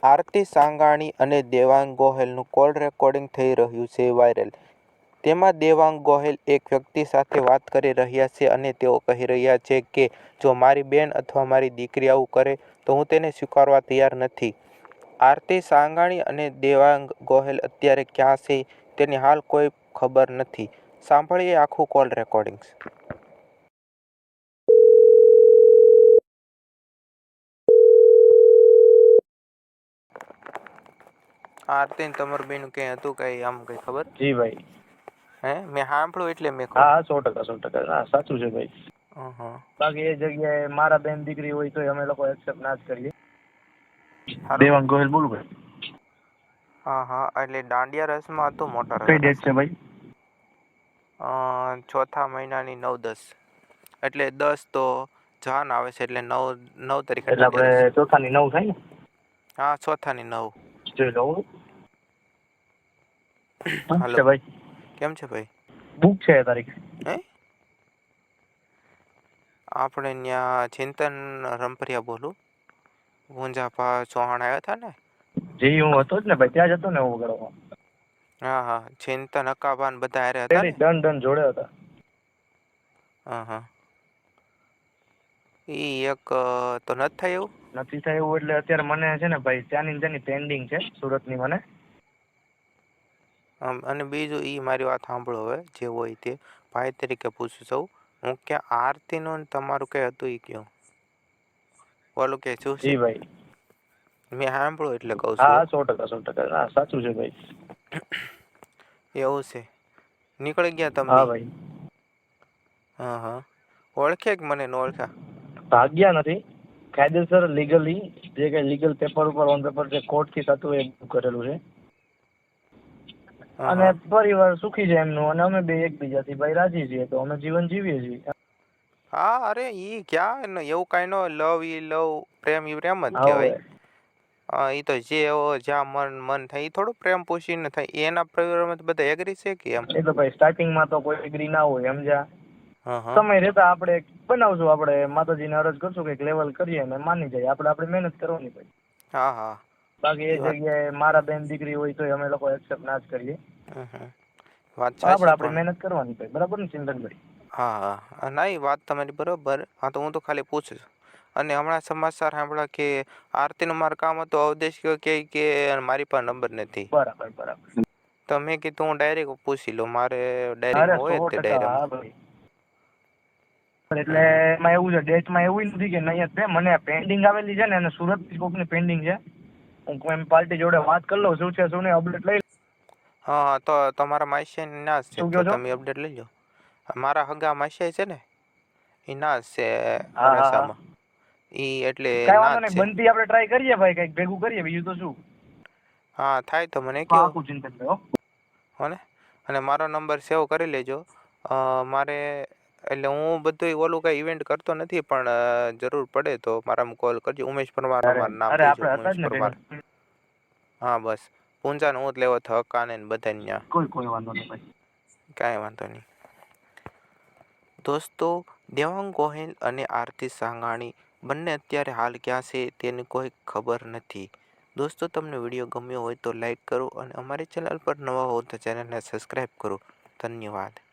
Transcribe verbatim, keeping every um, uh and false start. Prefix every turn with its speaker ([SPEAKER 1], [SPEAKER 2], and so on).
[SPEAKER 1] આરતી સાંગાણી અને Devang ગોહેલનું call recording થઈ રહ્યું છે વાયરલ. તેમાં દેવાંગ ગોહેલ એક વ્યક્તિ સાથે વાત કરી રહ્યા છે અને તેઓ કહી રહ્યા છે કે જો મારી બેન અથવા મારી દીકરી આવું કરે તો હું તેને સ્વીકારવા તૈયાર નથી. આરતી સાંગાણી અને દેવાંગ ગોહેલ અત્યારે ક્યાં છે તેની હાલ કોઈ ખબર નથી. સાંભળીએ આખું કોલ રેકોર્ડિંગ. આરતી ને તમારું બેનું કઈ હતું કઈ આમ કઈ ખબર?
[SPEAKER 2] જી ભાઈ.
[SPEAKER 1] હે મેં સાંભળ્યું એટલે મેં કહું.
[SPEAKER 2] હા હા સો ટકા સો ટકા હા સાચું છે ભાઈ.
[SPEAKER 1] હં
[SPEAKER 2] બાકી એ જગ્યાએ મારા બેન દીકરી હોય તો અમે લોકો એક્સેપ્ટ ના જ કરીએ.
[SPEAKER 1] હારું.
[SPEAKER 2] દેવાંગ ગોહિલ બોલું ભાઈ.
[SPEAKER 1] હા હા એટલે દાંડિયા રસમાં હતું મોટા
[SPEAKER 2] કઈ
[SPEAKER 1] રસ.
[SPEAKER 2] ડેટ છે ભાઈ?
[SPEAKER 1] અ ચોથા મહિનાની નવ દસ એટલે દસ તો જાન આવે છે એટલે નવ નવ તારીખે
[SPEAKER 2] એટલે
[SPEAKER 1] દાંડિયા રસ.
[SPEAKER 2] આપણે ચોથાની નવ થાય ને?
[SPEAKER 1] હા ચોથાની નવ.
[SPEAKER 2] જોઈ લઉં.
[SPEAKER 1] હાલો
[SPEAKER 2] છે ભાઈ.
[SPEAKER 1] કેમ છે ભાઈ?
[SPEAKER 2] બુક છે એ તારીખ.
[SPEAKER 1] હે આપણે ત્યાં ચિંતન રંપરિયા બોલું. ગુંજાપા ચૌહાણ આવ્યા હતા ને?
[SPEAKER 2] જી હું હતો જ ને ભાઈ, ત્યાં જ હતો ને હું વગાડવા.
[SPEAKER 1] હા હા ચિંતન અકાભાન બધા હારે હતા
[SPEAKER 2] પેલી
[SPEAKER 1] ને?
[SPEAKER 2] ડન ડન જોડે હતા.
[SPEAKER 1] હા હા ઈ એક તો નથી થાય એવું?
[SPEAKER 2] નથી થાય એવું એટલે અત્યારે મને છે ને ભાઈ ત્યાંની ને ત્યાંની પેન્ડિંગ છે સુરતની મને.
[SPEAKER 1] આમ અને બીજું ઈ મારી વાત સાંભળો હવે જે હોય તે ભાઈ તરીકે પૂછું છું હું કે આરતીનું ને તમારું કઈ હતું એ કયો ઓલું કે શું છે
[SPEAKER 2] જી ભાઈ.
[SPEAKER 1] મેં સાંભળ્યું એટલે કહું
[SPEAKER 2] હા
[SPEAKER 1] છું.
[SPEAKER 2] હા સો ટકા સો ટકા હા સાચું છે ભાઈ.
[SPEAKER 1] એવું છે નીકળી ગયા તમે
[SPEAKER 2] હા
[SPEAKER 1] બી?
[SPEAKER 2] ભાઈ.
[SPEAKER 1] હા હા ઓળખે કે મને ન ઓળખા?
[SPEAKER 2] ભાગ્યા નથી કાયદેસર લીગલી જે કઈ લીગલ પેપર ઉપર ઓન પેપર જે કોર્ટ થી થતું એ કરેલું છે.
[SPEAKER 1] હા
[SPEAKER 2] અને
[SPEAKER 1] હા
[SPEAKER 2] પરિવાર સુખી છે એમનું અને અમે બે એકબીજાથી ભાઈ રાજી છીએ તો અમે જીવન જીવીએ છીએ.
[SPEAKER 1] હા અરે ઈ ક્યાં એવું કઈ ન લવ ઈ લવ પ્રેમ ઈ પ્રેમ જ
[SPEAKER 2] હવે
[SPEAKER 1] કહેવાય. હા એ તો જે જ્યાં મન મન થાય એ થોડું પ્રેમ પૂછીને થાય એના પરિવારમાં તો બધા એગ્રી છે કે એમ.
[SPEAKER 2] એ તો ભાઈ સ્ટાર્ટિંગમાં તો કોઈ એગ્રી ના હોય સમજ્યા.
[SPEAKER 1] હા હા
[SPEAKER 2] સમય રહેતા આપણે બનાવશું, આપણે માતાજીને અરજ કરશું કંઈક લેવલ કરીએ ને માની જાય આપણે આપણી મહેનત કરવાની ભાઈ.
[SPEAKER 1] હા હા
[SPEAKER 2] બાકી એ
[SPEAKER 1] ઈ વાત
[SPEAKER 2] જગ્યાએ મારા બેન દીકરી હોય તો અમે લોકો એક્સેપ્ટ ના જ કરીએ.
[SPEAKER 1] હમ હમ વાત
[SPEAKER 2] આપણે
[SPEAKER 1] સાચી
[SPEAKER 2] આપણી
[SPEAKER 1] પણ
[SPEAKER 2] મહેનત કરવાની ભાઈ, બરાબર ને ચિંતનભાઈ?
[SPEAKER 1] હા હા ના એ વાત તમારી બરોબર. હા તો હું તો ખાલી પૂછું છું. અને હમણાં સમાચાર સાંભળ્યા કે આરતીનું મારું કામ હતું અવદેશ કે કે મારી પાસે નંબર નથી.
[SPEAKER 2] બરાબર બરાબર.
[SPEAKER 1] તો મેં કીધું હું ડાયરેક્ટ પૂછી લઉં, મારે
[SPEAKER 2] અરે
[SPEAKER 1] ડાયરીમાં
[SPEAKER 2] સો
[SPEAKER 1] હોય જ તે
[SPEAKER 2] ટકા હા
[SPEAKER 1] ડાયરામાં.
[SPEAKER 2] ભાઈ. એટલે
[SPEAKER 1] હમ હમ
[SPEAKER 2] એમાં એવું છે ડેટમાં એવું નથી કે નહીં જ છે, મને પેન્ડિંગ આવેલી છે ને અને સુરત કોકની પેન્ડિંગ છે. હું એમ પાર્ટી જોડે વાત કરી લઉં શું છે શું નહીં અપડેટ લઈ.
[SPEAKER 1] હા હા તો તમારા માસિયા ના જ છે
[SPEAKER 2] શું
[SPEAKER 1] તો
[SPEAKER 2] કહો છો?
[SPEAKER 1] તમે અપડેટ લઈ લો. મારા હગા માસિયા છે ને એ ના જ છે
[SPEAKER 2] હા હા હા
[SPEAKER 1] રસામાં. ઈ એટલે
[SPEAKER 2] કઈ
[SPEAKER 1] ના
[SPEAKER 2] વાંધો
[SPEAKER 1] જ
[SPEAKER 2] નહીં,
[SPEAKER 1] છે.
[SPEAKER 2] બનતી આપણે ટ્રાય કરીએ ભાઈ, કંઈક ભેગું કરીએ બીજું તો શું.
[SPEAKER 1] હા થાય તો મને કયો.
[SPEAKER 2] પાકું ચિંતનભાઈ હો.
[SPEAKER 1] હો ને અને મારો નંબર સેવ કરી લેજો. મારે એટલે હું બધું ઓલું કઈ ઇવેન્ટ કરતો નથી પણ જરૂર પડે તો મારામાં કોલ કરજો. ઉમેશ પરમાર
[SPEAKER 2] અરે
[SPEAKER 1] મારું નામ
[SPEAKER 2] અરે
[SPEAKER 1] દેજો
[SPEAKER 2] આપણે હતા
[SPEAKER 1] ઉમેશ
[SPEAKER 2] જ ને
[SPEAKER 1] પરમાર.
[SPEAKER 2] ભેગા.
[SPEAKER 1] હા બસ પૂંજાનો હું જ લેવો હતો હક્કાને ને બધાને ન્યા.
[SPEAKER 2] કોઈ કોઈ વાંધો નહીં ભાઈ.
[SPEAKER 1] કાંઈ વાંધો નહીં. દોસ્તો દેવાંગ ગોહિલ અને આરતી સાંગાણી બંને અત્યારે હાલ ક્યાં છે તેની કોઈ ખબર નથી. દોસ્તો તમને વિડીયો ગમ્યો હોય તો લાઈક કરો અને અમારી ચેનલ પર નવા હો તો ચેનલને સબસ્ક્રાઈબ કરો. ધન્યવાદ.